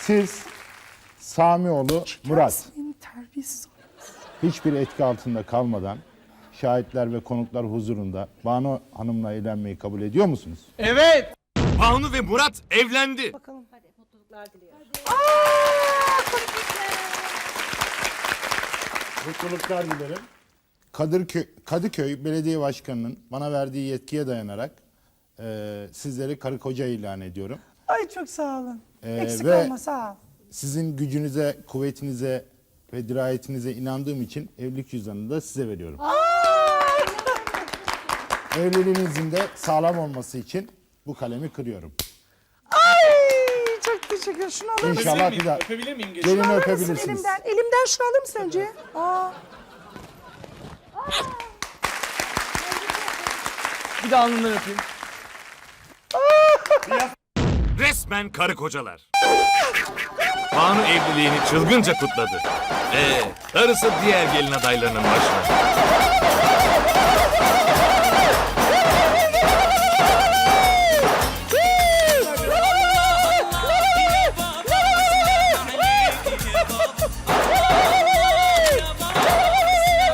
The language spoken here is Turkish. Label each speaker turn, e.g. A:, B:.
A: Siz Samioğlu Murat
B: Senin terbiyesiz.
A: hiçbir etki altında kalmadan şahitler ve konuklar huzurunda Banu Hanım'la evlenmeyi kabul ediyor musunuz?
C: Evet.
D: Banu ve Murat evlendi.
B: Bakalım.
E: Hadi mutluluklar diliyorum.
A: Mutluluklar dilerim. Kadıköy Belediye Başkanı'nın bana verdiği yetkiye dayanarak sizleri karı koca ilan ediyorum.
B: Ay çok sağ olun. Eksik
A: ve-
B: olma sağ ol.
A: Sizin gücünüze, kuvvetinize ve dirayetinize inandığım için evlilik cüzdanını da size veriyorum. Evliliğinizin de sağlam olması için bu kalemi kırıyorum.
B: Ay çok teşekkür ederim. Şunu alır mısın?
A: İnşallah bir daha
C: Öpebilir miyim?
A: gelini
B: Alır mısın
A: öpebilirsiniz.
B: elimden? Elimden şunu alır mısın önce? Aa.
C: Bir de alnından öpeyim.
D: Resmen karı kocalar. Banu evliliğini çılgınca kutladı. Darısı diğer gelin adaylarının başına.